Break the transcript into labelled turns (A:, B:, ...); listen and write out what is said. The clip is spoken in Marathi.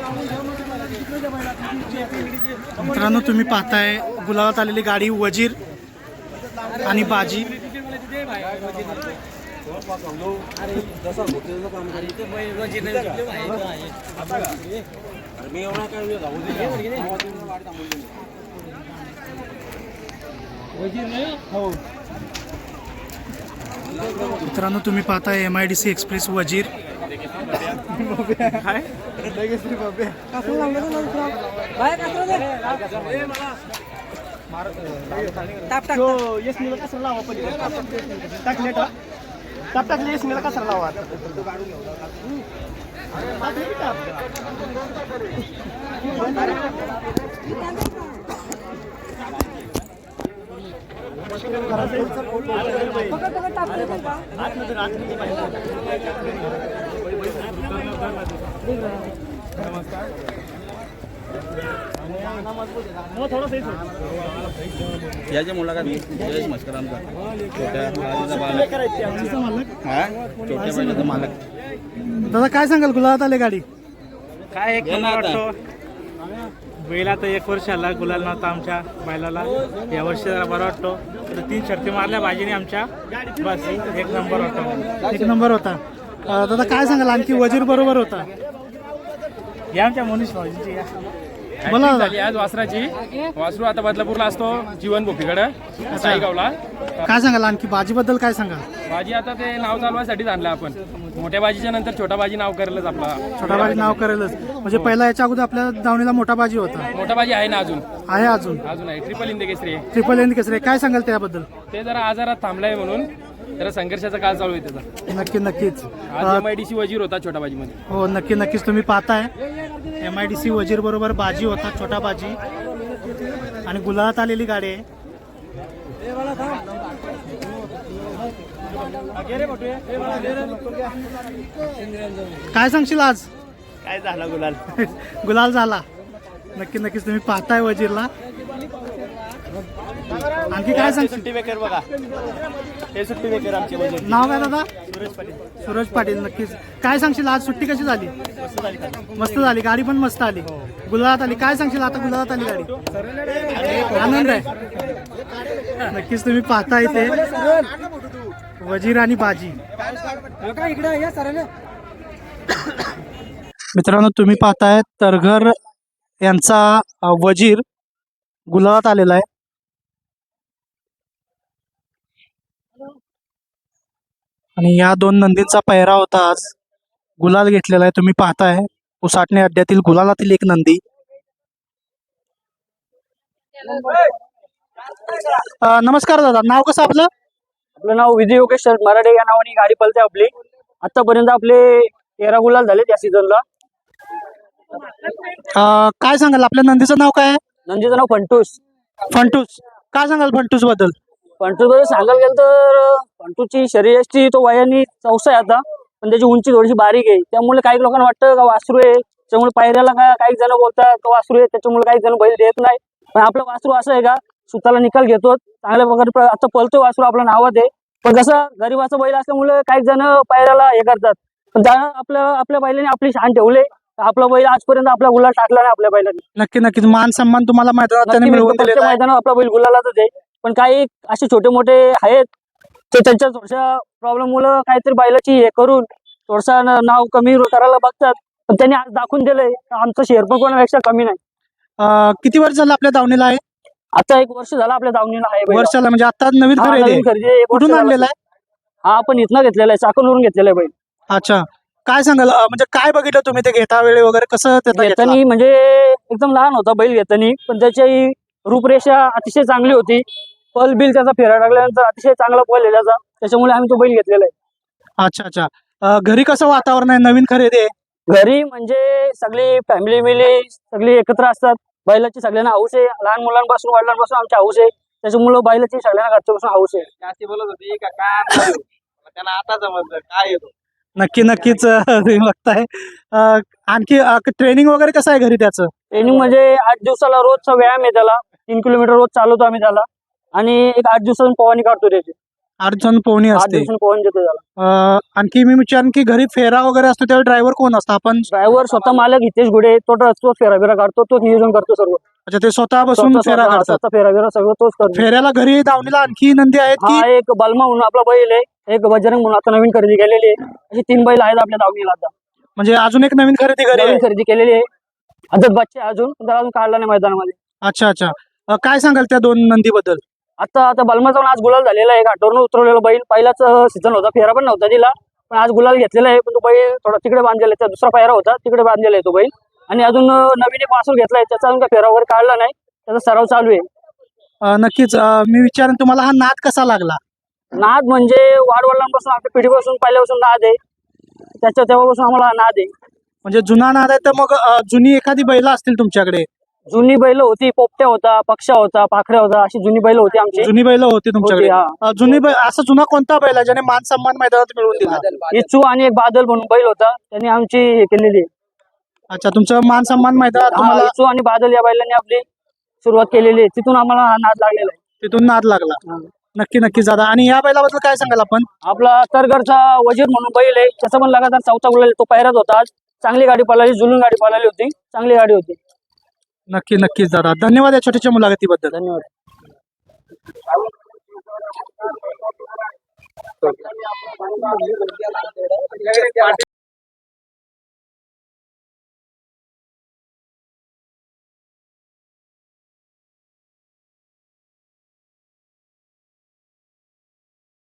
A: मित्रांनो तुम्ही पाहताय गुलाबात आलेली गाडी वजीर आणि बाजी। मित्रांनो तुम्ही पाहताय MIDC एक्सप्रेस वजीर।
B: याची मुलाखत जयेश मस्कर आमचा छोट्या बाळाचा मालक। हा छोट्या बाळाचा मालक।
A: दादा काय सांगाल गुलाबात आले गाडी?
C: काय एक नंबर वाटतो। बैला तर 1 वर्ष आला, गुलाल नव्हता आमच्या बैलाला। या वर्षी जरा बरा वाटतो। 3 शर्ती मारल्या बाजीने आमच्या, बस 1 नंबर वाटतो।
A: 1 नंबर होता। दादा काय सांगाल आणखी वजीर बरोबर होता?
C: या आमच्या मनीष भाऊजींची
A: बोला दादा।
D: झाली आज वासराची। वासरू आता बदलापूरला असतो, जीवन भोपीकडे साईगावला।
A: काय सांगाल आणखी बाजीबद्दल काय सांगाल?
D: बाजी आता ते नाव चालवायसाठीच आणलं आपण। मोठ्या बाजीच्या नंतर छोटा बाजी नाव करेलच आपला।
A: छोटा बाजी नाव करेलच म्हणजे पहिला याच्या अगोदर आपल्या दावणीला मोठा बाजी होता।
D: मोठा बाजी आहे ना अजून?
A: आहे अजून
D: आहे। ट्रिपल हिंद केसरी।
A: ट्रिपल एन केसरी काय सांगाल त्याबद्दल?
D: ते जरा आजारात थांबलाय म्हणून जरा संघर्षाचा काळ चालू आहे त्याचा।
A: नक्कीच
D: आज MIDC वजीर होता छोटा बाजी मध्ये।
A: हो नक्कीच तुम्ही पाहताय MIDC वजीर बरोबर बाजी होता, छोटा बाजी आणि गुलाबात आलेली गाडी आहे। काय सांगशील आज?
C: काय झाला गुलाल?
A: गुलाल झाला। नक्कीच तुम्ही पाहताय वजीरला। आणखी काय सांगशील?
C: सुट्टी मेकर बघा, हे सुट्टी मेकर आमची वजीर।
A: नाव काय दादा?
C: सुरेश पाटील।
A: सूरज पाटील। नक्कीच काय सांगशील आज सुट्टी कशी झाली? मस्त झाली, गाडी पण मस्त आली, गुलाबात आली। काय सांगशील आता गुलाबात आली गाडी? आनंद आहे। नक्कीच तुम्ही पाहताय ते वजीर आणि बाजी। मित्रांनो तुम्ही पाहताय तरघर यांचा वजीर गुलाबात आलेला आहे। आणि या 2 नंदींचा पहिरा होता, आज गुलाल घेतलेला आहे। तुम्ही पाहताय उसाटणे अड्ड्यातील गुलालातील एक नंदी। नमस्कार दादा, नाव कसं आपलं?
E: आपलं नाव विजय योगेश मराठे या नावाने गाडी पळते आपली। आतापर्यंत आपले 13 गुलाल झाले त्या सीझनला।
A: काय सांगाल आपल्या नंदीचं नाव काय आहे?
E: नंदीचं नाव फंटूस।
A: फंटूस। काय सांगाल फंटूस बद्दल?
E: फंटूस बद्दल सांगायला गेलं तर फंटूसची शरीराची तो वयाने 14 आहे आता, पण त्याची उंची थोडीशी बारीक आहे। त्यामुळे काही लोकांना वाटतं का वासरू आहे, त्यामुळे पायऱ्याला काही जण बोलतात का वासरू आहे, त्याच्यामुळे काही जण बैल देत नाही। पण आपलं वासरू असं आहे का स्वतःला निकाल घेतो, चांगल्या प्रकारे आता पळतोय वासरू, आपल्या नावात आहे। पण कसं गरीबाचा बैल असल्यामुळे काही जण पायऱ्याला हे करतात, पण त्यानं आपल्या बैलाने आपली शान ठेवले। आपला बैल आजपर्यंत आपला गुलाल टाकला नाही आपल्या बैलाने।
A: नक्कीच मान सन्मान तुम्हाला
E: मैदानात आपला बैल गुलालातच आहे। पण काही असे छोटे मोठे आहेत ते त्यांच्या थोड्याशा प्रॉब्लेम मुळे काहीतरी बैलाची हे करून थोडसा नाव कमी करायला बघतात, पण त्यांनी आज दाखवून दिलंय आमचं शेअर पण कोणापेक्षा कमी नाही।
A: किती वर्ष झालं आपल्या दावणीला आहे?
E: आता 1 वर्ष झालं आपल्या दावणीला आहे।
A: वर्षाला म्हणजे आता नवीन खरेदी कुठून आणलेला आहे?
E: हा आपण इथनं घेतलेला आहे, चाकणवरून घेतलेला आहे बैल।
A: अच्छा काय सांगाल म्हणजे काय बघितलं तुम्ही ते घेता वेळी वगैरे कसं?
E: घेतानी म्हणजे एकदम लहान होता बैल घेतानी, पण त्याची रूपरेषा अतिशय चांगली होती। पल बिल त्याचा फेरा टाकल्यानंतर अतिशय चांगला पल आहे त्याचा, त्याच्यामुळे आम्ही तो बैल घेतलेला आहे।
A: अच्छा घरी कसं वातावरण आहे? नवीन खरेदी आहे
E: घरी म्हणजे सगळी फॅमिली मिली सगळी एकत्र असतात। बैलाची सगळ्यांना हौस आहे, लहान मुलांपासून वडिलांपासून आमची हौस आहे, त्याच्यामुळे बैलाची सगळ्यांना घरच्यापासून हौस आहे।
B: जास्ती बोलत होती का काय त्यांना आता समजलं काय येतो।
A: नक्कीच तुम्ही बघताय। आणखी ट्रेनिंग वगैरे कसं आहे घरी त्याचं?
E: ट्रेनिंग म्हणजे 8 दिवसाला रोजचा व्यायाम आहे त्याला, 3 किलोमीटर रोज चालवतो आम्ही त्याला, आणि एक 8 दिवसांनी पवानी काढतो त्याची।
A: 8 जण पोहणी
E: 8
A: असते.
E: दिवसांनी पोहून देतो त्याला.
A: आणखी मी विचारेन की घरी फेरा वगैरे असतो त्यावेळी ड्रायव्हर कोण असतो? आपण
E: ड्रायव्हर स्वतः मालक हितेश घुडे तो फेरा बिरा काढतो, तोच नियोजन करतो सर्व.
A: अच्छा ते स्वतः बसून फेरा काढतात.
E: स्वतः फेरा बिरा सगळं तोच करतो.
A: फेऱ्याला घरी दावणीला आणखी नंदी आहेत
E: हा
A: की?
E: एक बलमा म्हणून आपला बैल आहे, एक बजरंग म्हणून आता नवीन खरेदी केलेली आहे. अशी 3 बैल आहेत आपल्या दावणीला आता.
A: म्हणजे अजून एक नवीन खरेदी घरी आहे.
E: नवीन खरेदी केलेली आहे. आता बच्चे अजून पण त्याला अजून काढला नाही मैदानामध्ये.
A: अच्छा अच्छा. काय सांगाल त्या 2 नंदी बद्दल?
E: आता बलमाचा पण आज गुलाल झालेला आहे. घाटावरून उतरवलेला बैल पहिलाच सीझन होता, फेरा पण नव्हता दिला, पण आज गुलाल घेतलेला आहे. पण तो बैल थोडा तिकडे बांधलेला आहे, दुसरा पायरा होता तिकडे बांधलेला आहे तो बैल. आणि अजून नवीन एक वासूर घेतलाय, त्याचा अजून काय फेरा वगैरे काढला नाही, त्याचा सराव चालू आहे.
A: नक्कीच. मी विचारेन तुम्हाला हा नाद कसा लागला?
E: नाद म्हणजे वाडवडिलांपासून आपल्या पिढीपासून पहिल्यापासून नाद आहे, तेव्हापासून आम्हाला हा नाद आहे.
A: म्हणजे जुना नाद आहे तर मग जुनी एखादी बैल असतील तुमच्याकडे?
E: जुनी बैल होती, पोपट्या होता, पक्षा होता, पाखऱ्या होता, अशी जुनी बैल होती आमची.
A: जुनी बैल होती तुमच्याकडे?
E: हा.
A: जुनी बैल असा जुना कोणता बैल आहे ज्याने मान सन्मान मैदानात मिळवून दिला?
E: इचू आणि एक बादल म्हणून बैल होता, त्यांनी आमची हे केलेली आहे.
A: अच्छा तुमचं मान सन्मान मैदानात
E: हा,
A: तुम्हाला
E: इचू आणि बादल या बैलांनी आपली सुरुवात केलेली आहे, तिथून आम्हाला हा नाद लागलेला आहे.
A: तिथून नाद लागला?
E: हा.
A: नक्की नक्कीच दादा. आणि या बैलाबद्दल काय सांगाल आपण?
E: आपला तरगडचा वजीर म्हणून बैल आहे, त्याचा पण लगातार 4था गुलाल आहे. तो पायऱ्यात होता आज. चांगली गाडी पळाली, जुलून गाडी पळाली होती, चांगली गाडी होती.
A: नक्की नक्कीच दादा. धन्यवाद या छोट्याशा मुलाखतीबद्दल.
E: धन्यवाद.